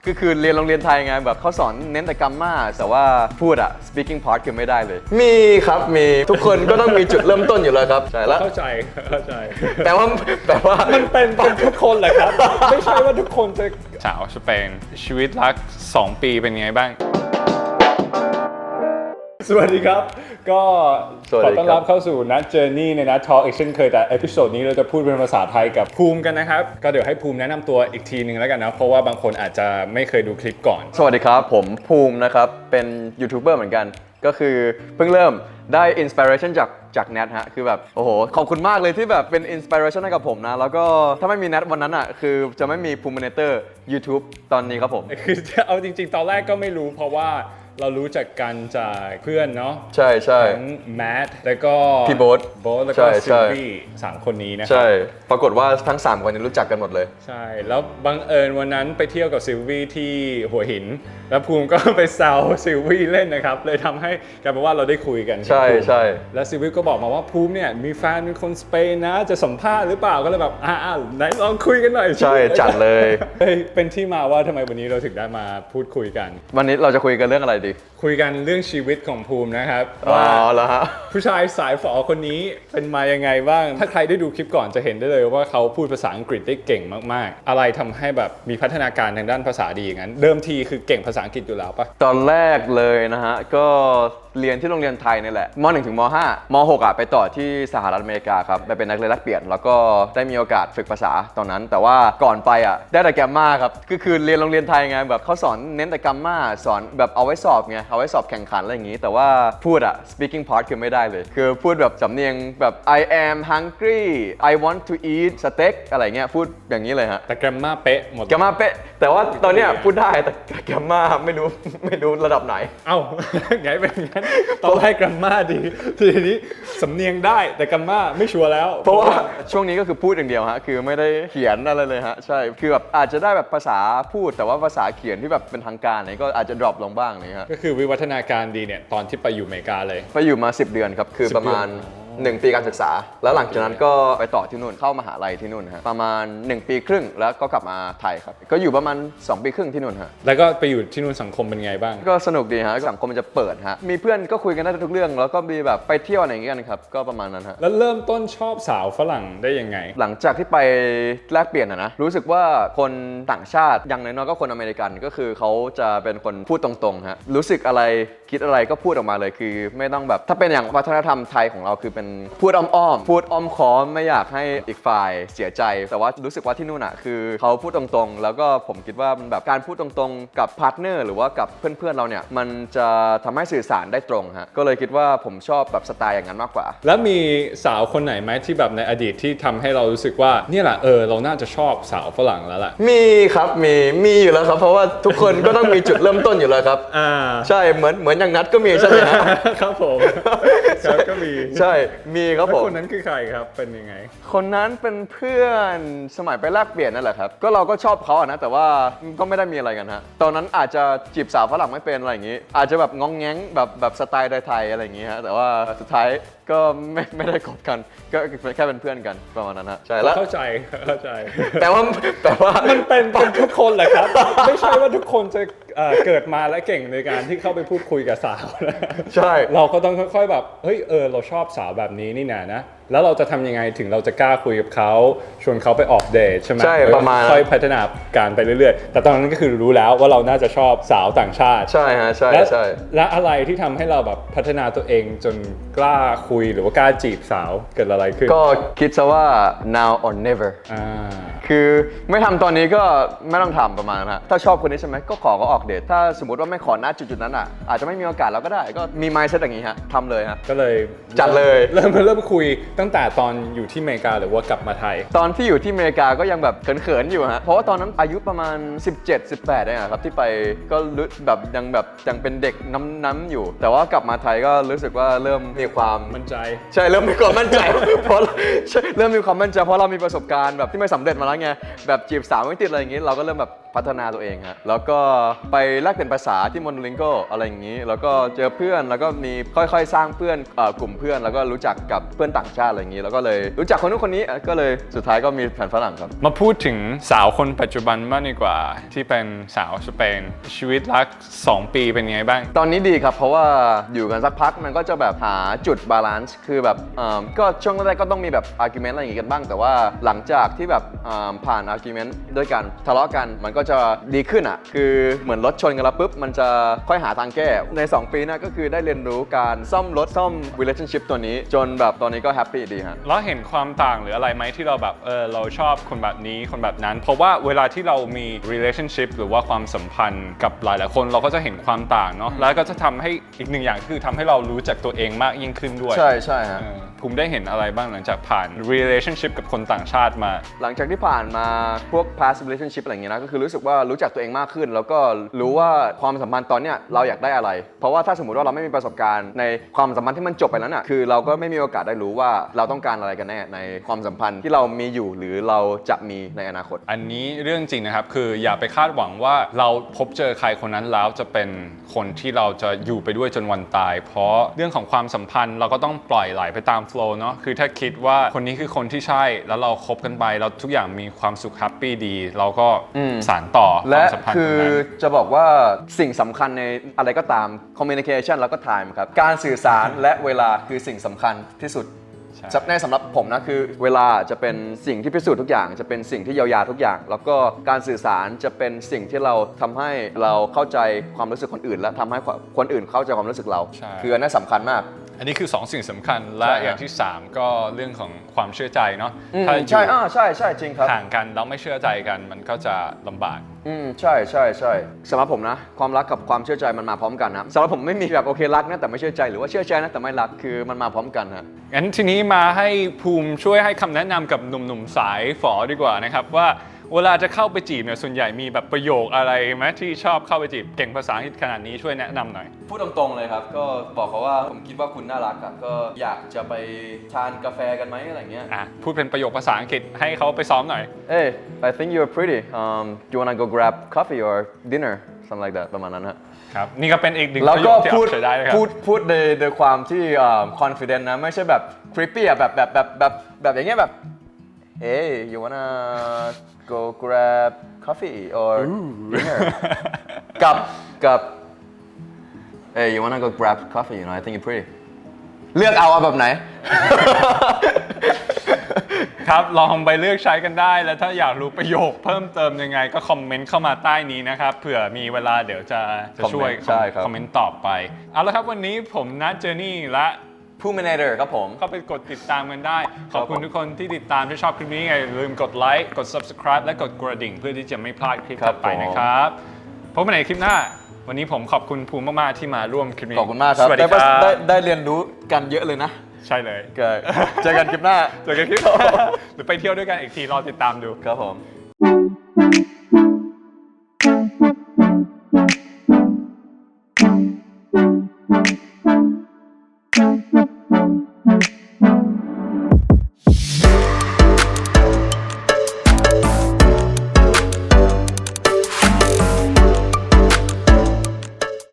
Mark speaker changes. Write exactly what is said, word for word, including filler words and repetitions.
Speaker 1: ก็คือเรียนโรงเรียนไทยไงแบบเขาสอนเน้นแต่กรรมมาแต่ว่าพูดอะ speaking part คือไม่ได้เลยมีครับมีทุกคนก็ต้องมีจุดเริ่มต้นอยู่แล้วครับใช่แล้ว
Speaker 2: เข้าใจเข้าใจ
Speaker 1: แต่ว่าแต่ว่า
Speaker 2: มันเป็นเป็นทุกคนแหละครับไม่ใช่ว่าทุกคนจะสาวสเปนชีวิตรักสองปีเป็นไงบ้างสวัสดีครับก็ขอต้อนรับเข้าสู่นัทเจอร์นี่ในนัททอล์กเช่นเคยแต่เอพิโซดนี้เราจะพูดเป็นภาษาไทยกับภูมิกันนะครับก็เดี๋ยวให้ภูมิแนะนำตัวอีกทีหนึ่งแล้วกันนะเพราะว่าบางคนอาจจะไม่เคยดูคลิปก่อน
Speaker 1: สวัสดีครับผมภูมินะครับเป็นยูทูบเบอร์เหมือนกันก็คือเพิ่งเริ่มได้อินสปิเรชันจากจากแนทฮะคือแบบโอ้โหขอบคุณมากเลยที่แบบเป็นอินสปิเรชันให้กับผมนะแล้วก็ถ้าไม่มีแนทวันนั้นอ่ะคือจะไม่มีภูมิเนเตอร์ YouTube ตอนนี้ครับผม
Speaker 2: คือเอาจริงๆตอนแรกก็ไม่รู้เพราะว่าเรารู้จักกันจากเพื่อนเนาะ
Speaker 1: ใช่ใช่
Speaker 2: ทั้งแมทแล้วก็
Speaker 1: พี่โบ๊ท
Speaker 2: โบ๊ทแล้วก็ซิลวี่สามคนนี้นะครับ
Speaker 1: ใช่ปรากฏว่าทั้งสามคนนี้รู้จักกันหมดเลย
Speaker 2: ใช่แล้วบังเอิญวันนั้นไปเที่ยวกับซิลวี่ที่หัวหินแล้วภูมิก็ไปแซวซิลวี่เล่นนะครับเลยทำให้กลายเป็นว่าเราได้คุยกัน
Speaker 1: ใช่ใช่
Speaker 2: แล้วซิลวี่ก็บอกมาว่าภูมิเนี่ยมีแฟนเป็นคนสเปนนะจะสัมภาษณ์หรือเปล่าก็เลยแบบอ่าไหนลองคุยกันหน่อย
Speaker 1: ใช่จัดเลย
Speaker 2: เป็นที่มาว่าทำไมวันนี้เราถึงได้มาพูดคุยกัน
Speaker 1: วันนี้เราจะคุยกันเรื่องอะไรดี
Speaker 2: คุยกันเรื่องชีวิตของภูมินะครับ
Speaker 1: ว่าแล้วฮะ
Speaker 2: ผู้ชายสายฝอคนนี้เป็นมายังไงบ้างถ้าใครได้ดูคลิปก่อนจะเห็นได้เลยว่าเขาพูดภาษาอังกฤษได้เก่งมากๆอะไรทำให้แบบมีพัฒนาการทางด้านภาษาดีอย่างนั้นเดิมทีคือเก่งภาษาอังกฤษอยู่แล้วปะ
Speaker 1: ตอนแรกเลยนะฮะก็เรียนที่โรงเรียนไทยนี่แหละม หนึ่ง ถึงม ห้า ม หก อ่ะไปต่อที่สหรัฐอเมริกาครับไปเป็นนักเรียนแลกเปลี่ยนแล้วก็ได้มีโอกาสฝึกภาษาตอนนั้นแต่ว่าก่อนไปอ่ะได้แต่แกรมมาครับก็คือเรียนโรงเรียนไทยไงแบบเขาสอนเน้นแต่แกรมมาสอนแบบเอาไว้สอบไงเอาไว้สอบแข่งขันอะไรอย่างงี้แต่ว่าพูดอ่ะ speaking part คือไม่ได้เลยคือพูดแบบสำเนียงแบบ I am hungry I want to eat steak อะไรเงี้ยพูดอย่างนี้เลยฮะ
Speaker 2: แต่แกรมมาเป๊ะหมด
Speaker 1: แกรมมาเป๊ะแต่ว่าตอนเนี้ยพูดได้แต่แกรมมาไม่รู้ไม่รู้ระดับไหน
Speaker 2: เอ้าไงเป็นงั้นตอนแรกแกรมมาดีทีนี้สำเนียงได้แต่แกรมมาไม่ชัวร์แล้ว
Speaker 1: เพราะว่าช่วงนี้ก็คือพูดอย่างเดียวฮะคือไม่ได้เขียนอะไรเลยฮะใช่คือแบบอาจจะได้แบบภาษาพูดแต่ว่าภาษาเขียนที่แบบเป็นทางการเนี่ยก็อาจจะ drop ลงบ้างนี่ฮะ
Speaker 2: ก็คือวิวัฒนาการดีเนี่ยตอนที่ไปอยู่อเมริกาเลย
Speaker 1: ไปอยู่มาสิบเดือนครับคือประมาณหนึ่งปีการศึกษาแล้วหลังจากนั้นก็ไปต่อที่นู่นเข้ามหาลัยที่นู่นฮะประมาณหนึ่งปีครึ่งแล้วก็กลับมาไทยครับก็อยู่ประมาณสองปีครึ่งที่นู่นฮะ
Speaker 2: แล้วก็ไปอยู่ที่นู่นสังคมเป็นไงบ้าง
Speaker 1: ก็สนุกดีฮะสังคมมันจะเปิดฮะมีเพื่อนก็คุยกันได้ทุกเรื่องแล้วก็มีแบบไปเที่ยวอะไรอย่างเงี้ยกันครับก็ประมาณนั้นฮะ
Speaker 2: แล้วเริ่มต้นชอบสาวฝรั่งได้ยังไง
Speaker 1: หลังจากที่ไปแลกเปลี่ยนนะรู้สึกว่าคนต่างชาติอย่างน้อยๆก็คนอเมริกันก็คือเขาจะเป็นคนพูดตรงๆฮะรู้สึกอะไรคิดอะไรก็พูดออกมาเลยคือไม่ต้องแบบถ้าเป็นอย่างวัฒนธรรมไทยของเราคือเป็นพูดอ้อมๆพูดอ้อมค้อมไม่อยากให้อีกฝ่ายเสียใจแต่ว่ารู้สึกว่าที่นู่นอ่ะคือเขาพูดตรงๆแล้วก็ผมคิดว่ามันแบบการพูดตรงๆกับพาร์ทเนอร์หรือว่ากับเพื่อนๆเราเนี่ยมันจะทำให้สื่อสารได้ตรงฮะก็เลยคิดว่าผมชอบแบบสไตล์อย่างนั้นมากกว่า
Speaker 2: แล้วมีสาวคนไหนไหมที่แบบในอดีตที่ทำให้เรารู้สึกว่าเนี่ยแหละเออเราน่าจะชอบสาวฝรั่งแล้วล่ะ
Speaker 1: มีครับมีมีอยู่แล้วครับเพราะว่าทุกคนก็ต้องมีจุดเริ่มต้นอยู่แล้วครับ
Speaker 2: อ่า
Speaker 1: ใช่เหมือนเหมือนอย่างนัดก็มีใช่ไหม
Speaker 2: ครับผมครับก็มี
Speaker 1: ใช่มีครับผม
Speaker 2: คนนั้นคือใครครับเป็นยังไง
Speaker 1: คนนั้นเป็นเพื่อนสมัยไปแลกเปลี่ยนนั่นแหละครับก็เราก็ชอบเขาอะนะแต่ว่าก็ไม่ได้มีอะไรกันฮะตอนนั้นอาจจะจีบสาวฝรั่งไม่เป็นอะไรอย่างงี้อาจจะแบบงองแง้งแบบแบบสไตล์ไทยๆอะไรอย่างงี้ฮะแต่ว่าสุดท้ายก็ไม่ไม่ได้คบกันก็แค่เป็นเพื่อนกันประมาณนั้นฮะใช่แล้ว
Speaker 2: เข้าใจเข้าใจ
Speaker 1: แต่ว่าแต่ว่า
Speaker 2: มันเป็นเป็นทุกคนแหละครับไม่ใช่ว่าทุกคนจะเกิดมาและเก่งในการที่เข้าไปพูดคุยกับสาว
Speaker 1: ใช่
Speaker 2: เราก็ต้องค่อยๆแบบเฮ้ยเออเราชอบสาวแบบนี้นี่นะนะแล้วเราจะทำยังไงถึงเราจะกล้าคุยกับเขาชวนเขาไปออกเดทใช่ไหม
Speaker 1: ใช่ประมาณ
Speaker 2: ค่อยพัฒนาการไปเรื่อยๆแต่ตอนนั้นก็คือรู้แล้วว่าเราน่าจะชอบสาวต่างชาติ
Speaker 1: ใช่ฮะใช่ใช่
Speaker 2: และอะไรที่ทำให้เราแบบพัฒนาตัวเองจนกล้าคุยหรือว่ากล้าจีบสาวเกิดอะไรขึ้น
Speaker 1: ก็คิดซะว่า now or never
Speaker 2: อ่า
Speaker 1: คือไม่ทำตอนนี้ก็ไม่ต้องทำประมาณนั้นฮะถ้าชอบคนนี้ใช่ไหมก็ขอก็ออกเดทถ้าสมมติว่าไม่ขอณจุดๆนั้นอ่ะอาจจะไม่มีโอกาสเราก็ได้ก็มี mindset อย่างนี้ฮะทำเลยฮะ
Speaker 2: ก็เลย
Speaker 1: จัดเลย
Speaker 2: เริ่มเริ่มคุยตั้งแต่ตอนอยู่ที่อเมริกาหรือว่ากลับมาไทย
Speaker 1: ตอนที่อยู่ที่อเมริกาก็ยังแบบเขินๆอยู่ฮะเพราะว่าตอนนั้นอายุประมาณสิบเจ็ด สิบแปดเองครับที่ไปก็รู้แบบยังแบบยังเป็นเด็กน้ำๆอยู่แต่ว่ากลับมาไทยก็รู้สึกว่าเริ่มมีความ
Speaker 2: มั่นใจ
Speaker 1: ใช่เริ่มมีความมั่นใจเพราะเริ่มมีความมั่นใจเพราะเรามีประสบการณ์แบบที่ไม่สำเร็จมาแล้วไงแบบจีบสาวไม่ติดอะไรอย่างงี้เราก็เริ่มแบบพัฒนาตัวเองฮะแล้วก็ไปแลกเปลี่ยนภาษาที่ Monolingo อะไรอย่างนี้แล้วก็เจอเพื่อนแล้วก็มีค่อยๆสร้างเพื่อนเอ่อกลุ่มเพื่อนแล้วก็รู้จักกับเพื่อนต่างชาติอะไรอย่างนี้แล้วก็เลยรู้จักคนนู้นคนนี้ก็เลยสุดท้ายก็มีแฟนฝรั่งครับ
Speaker 2: มาพูดถึงสาวคนปัจจุบันมากดีกว่าที่เป็นสาวสเปนชีวิตรักสองปีเป็นไงบ้าง
Speaker 1: ตอนนี้ดีครับเพราะว่าอยู่กันสักพักมันก็จะแบบหาจุดบาลานซ์คือแบบเอ่อก็ช่วงแรกๆก็ต้องมีแบบอาร์กิวเมนต์อะไรอย่างงี้กันบ้างแต่ว่าหลังจากที่แบบเอ่อผ่านอาร์กิวเมนต์ด้วยกันทะเลาะกันมันก็จะดีขึ้นอ่ะคือเหมือนรถชนกันแล้วปุ๊บมันจะค่อยหาทางแก้ในสองปีหน้าก็คือได้เรียนรู้การซ่อมรถซ่อม relationship ตัวนี้จนแบบตอนนี้ก็แฮปปี้ดีฮะ
Speaker 2: แล้วเห็นความต่างหรืออะไรไหมที่เราแบบเออเราชอบคนแบบนี้คนแบบนั้นเพราะว่าเวลาที่เรามี relationship หรือว่าความสัมพันธ์กับหลายๆคนเราก็จะเห็นความต่างเนาะแล้วก็จะทำให้อีกหนึ่งอย่างคือทำให้เรารู้จักตัวเองมากยิ่งขึ้นด้วย
Speaker 1: ใช่ใช่ฮะ
Speaker 2: ภูมิได้เห็นอะไรบ้างหลังจากผ่าน relationship กับคนต่างชาติมา
Speaker 1: หลังจากที่ผ่านมาพวก past relationship อะไรอย่างเงี้ยนะก็คือรู้สึกว่ารู้จักตัวเองมากขึ้นแล้วก็รู้ว่าความสัมพันธ์ตอนเนี้ยเราอยากได้อะไรเพราะว่าถ้าสมมติว่าเราไม่มีประสบการณ์ในความสัมพันธ์ที่มันจบไปแล้วน่ะคือเราก็ไม่มีโอกาสได้รู้ว่าเราต้องการอะไรกันแน่ในความสัมพันธ์ที่เรามีอยู่หรือเราจะมีในอนาคต
Speaker 2: อันนี้เรื่องจริงนะครับคืออย่าไปคาดหวังว่าเราพบเจอใครคนนั้นแล้วจะเป็นคนที่เราจะอยู่ไปด้วยจนวันตายเพราะเรื่องของความสัมพันธ์เราก็ต้องปล่อยไหลไปตามโฟลว์เนาะคือถ้าคิดว่าคนนี้คือคนที่ใช่แล้วเราคบกันไปแล้วทุกอย่างมีความสุขแฮปปี้ดีเราก็สานต่อความสัมพันธ์
Speaker 1: คือจะบอกว่าสิ่งสำคัญในอะไรก็ตาม communication แล้วก็ time ครับการสื่อสารและเวลาคือสิ่งสำคัญที่สุดในสำหรับผมนะคือเวลาจะเป็นสิ่งที่พิสูจน์ทุกอย่างจะเป็นสิ่งที่เยียวยาทุกอย่างแล้วก็การสื่อสารจะเป็นสิ่งที่เราทำให้เราเข้าใจความรู้สึกคนอื่นและทำให้คนอื่นเข้าใจความรู้สึกเราคืออันนั้นสำคัญมาก
Speaker 2: อันนี้คือสองสิ่งสำคัญและอย่างที่สามก็เรื่องของความเชื่อใจเนาะ
Speaker 1: ถ้าใช่อ่าใช่ใช่จริงครับ
Speaker 2: ห่างกันแล้วไม่เชื่อใจกันมันก็จะลำบาก
Speaker 1: อืมใช่ใช่ใช่สำหรับผมนะความรักกับความเชื่อใจมันมาพร้อมกันนะสำหรับผมไม่มีแบบโอเครักนะแต่ไม่เชื่อใจหรือว่าเชื่อใจนะแต่ไม่รักคือมันมาพร้อมกันฮะ
Speaker 2: งั้นทีนี้มาให้ภูมิช่วยให้คำแนะนำกับหนุ่มๆสายฝอดีกว่านะครับว่าเวลาจะเข้าไปจีบเนี่ยส่วนใหญ่มีแบบประโยคอะไรไหมที่ชอบเข้าไปจีบเก่งภาษาอังกฤษขนาดนี้ช่วยแนะนำหน่อย
Speaker 1: พูดตรงๆเลยครับก็บอกเขาว่าผมคิดว่าคุณน่ารักอ่ะก็อยากจะไปทานกาแฟกันไหมอะไรเงี้ย
Speaker 2: อ่ะพูดเป็นประโยคภาษาอังกฤษให้เขาไปซ้อมหน่อย
Speaker 1: Hey I think you're pretty um do you wanna go grab coffee or dinner something like that ประมาณนั้นฮะ
Speaker 2: ครับนี่ก็เป็นอีกหนึ่ง
Speaker 1: ประโยคที่
Speaker 2: เอาใช้ได้นะครับ
Speaker 1: พูดพูดในในความที่ confident นะไม่ใช่แบบ creepy อ่ะแบบแบบแบบแบบแบบอย่างเงี้ยแบบ Hey you wanna go grab coffee or dinner กับกับ Hey you wanna go grab coffee you know I think you're pretty เลือกเอาแบบไหน
Speaker 2: ครับลองไปเลือกใช้กันได้แล้วถ้าอยากรู้ประโยคเพิ่มเติมยังไงก็คอมเมนต์เข้ามาใต้นี้นะครับเผื่อมีเวลาเดี๋ยวจะจะช่วยคอมเมนต์ตอบไปเอาละครับวันนี้ผมนัทเจอร์นี่และ
Speaker 1: ผู้ manager ครับผม
Speaker 2: เข้าไปกดติดตามกันได้ขอบคุณทุกคนที่ติดตามที่ชอบคลิปนี้ไงอย่าลืมกดไลค์กด subscribe และกดกระดิ่งเพื่อที่จะไม่พลาดคลิปต่อไปนะครับพบกันในคลิปหน้าวันนี้ผมขอบคุณภูมิมากๆที่มาร่วมคลิปนี้
Speaker 1: ขอบคุณมากครับ
Speaker 2: สวัสดีครับ
Speaker 1: ได้ได้เรียนรู้กันเยอะเลยนะ
Speaker 2: ใช่เลย
Speaker 1: เจอกันคลิปหน้า
Speaker 2: เจอกันคลิปหรือไปเที่ยวด้วยกันอีกทีรอติดตามดู
Speaker 1: ครับผม